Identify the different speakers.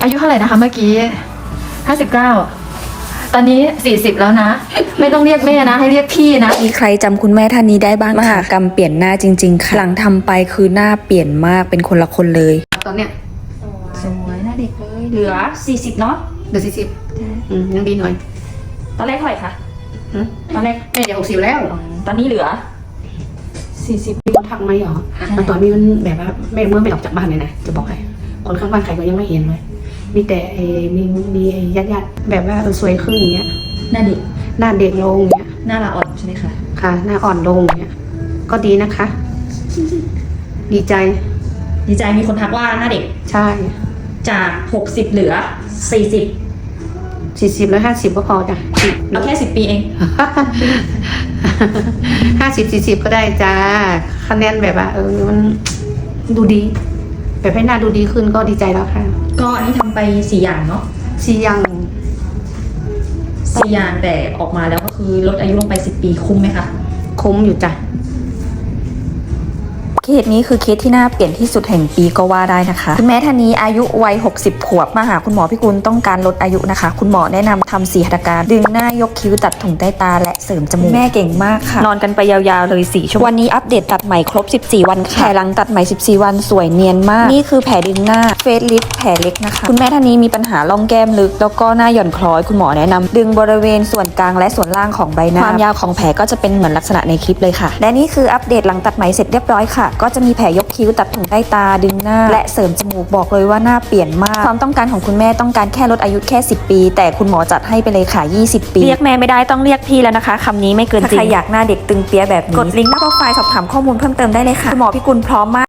Speaker 1: อายุเท่าไหร่นะคะเมื่อกี้59ตอนนี้40แล้วนะ ไม่ต้องเรียกแม่นะ ให้เรียกพี่นะ
Speaker 2: มีใครจำคุณแม่ท่านนี้ได้บ้างมหากรรมเปลี่ยนหน้าจริงๆค่ะหลังทำไปคือหน้าเปลี่ยนมากเป็นคนละคนเลย
Speaker 1: ตอนเนี้ย
Speaker 3: สวยหน้าเด็กเลยเหลือ40เนาะ
Speaker 1: เดี๋ยว40ยังดีหน่อย
Speaker 3: ตอนแรกเท่าไหร่คะตอนแรก
Speaker 1: แม่จะ60แล้ว
Speaker 3: ตอนนี้เหลือ
Speaker 1: มีคนทักไหมหรอตอนนี้มันแบบว่าแม่เมื่อไม่ออกจากบ้านเลยนะจะบอกให้คนข้างบ้านใครก็ยังไม่เห็นเลยมีแต่มีญาติแบบว่าสวยขึ้นอย่างเงี้ย
Speaker 3: หน้าเด็ก
Speaker 1: หน้าเด็กลงอย่างเงี้ย
Speaker 3: หน้าละอ่อนใช่ไหมคะ
Speaker 1: ค่ะ หน้าอ่อนลงอย่างเงี้ยก็ดีนะคะ ดีใจ
Speaker 3: ดีใจมีคนทักว่าหน้าเด็ก
Speaker 1: ใช่
Speaker 3: จาก60เหลือ40
Speaker 1: 40แล้ว50ก็พอจ้ะ
Speaker 3: เอาแค่10 ปีเอง
Speaker 1: 50 40ก็ได้จ้าคะแนนแบบว่ามันดูดี แบบให้หน้าดูดีขึ้นก็ดีใจแล้วค่ะ
Speaker 3: ก็อันนี้ทำไป4อย่างเนาะ
Speaker 1: 4อย่าง
Speaker 3: 4อย่างแต่ออกมาแล้วก็คือลดอายุลงไป10 ปีคุ้มไหมคะ
Speaker 1: คุ้มอยู่จ้ะ
Speaker 2: เคสนี้คือเคสที่น่าเปลี่ยนที่สุดแห่งปีก็ว่าได้นะคะคุณแม่ท่านนี้อายุวัย60 ขวบมาหาคุณหมอพิกุลต้องการลดอายุนะคะคุณหมอแนะนำทำ4 หัตถการดึงหน้ายกคิ้วตัดถุงใต้ตาและเสริมจมูกแม่เก่งมากค่ะนอนกันไปยาวๆเลย4 ชั่วโมงวันนี้อัปเดตตัดใหม่ครบ14 วันค่ะแผลหลังตัดใหม่14 วันสวยเนียนมากนี่คือแผลดึงหน้าเฟซลิฟต์แผลเล็กนะคะคุณแม่ท่านนี้มีปัญหาร่องแก้มลึกแล้วก็หน้าหย่อนคล้อยคุณหมอแนะนำดึงบริเวณส่วนกลางและส่วนล่างของใบหน้าความยาวของแผลก็จะเป็นเหมือนลักษณะในคลิปเลยค่ะและนี่คืออัปเดตหลังตัดไหมเสร็จเรียบร้อยค่ะก็จะมีแผลยกคิ้วตัดถุงใต้ตาดึงหน้าและเสริมจมูกบอกเลยว่าหน้าเปลี่ยนมากความต้องการของคุณแม่ต้องการแค่ลดอายุแค่10 ปีแต่คุณหมอจัดให้ไปเลยค่ะ20 ปีเรียกแม่ไม่ได้ต้องเรียกพี่แล้วนะคะคำนี้ไม่เกินจริงถ้าใครอยากหน้าเด็กตึงเปียแบบนี้กดลิงก์หน้าโปรไฟล์สอบถามข้อมูลเพิ่มเติมได้เลยค่ะคุณหมอพิกุลพร้อมมาก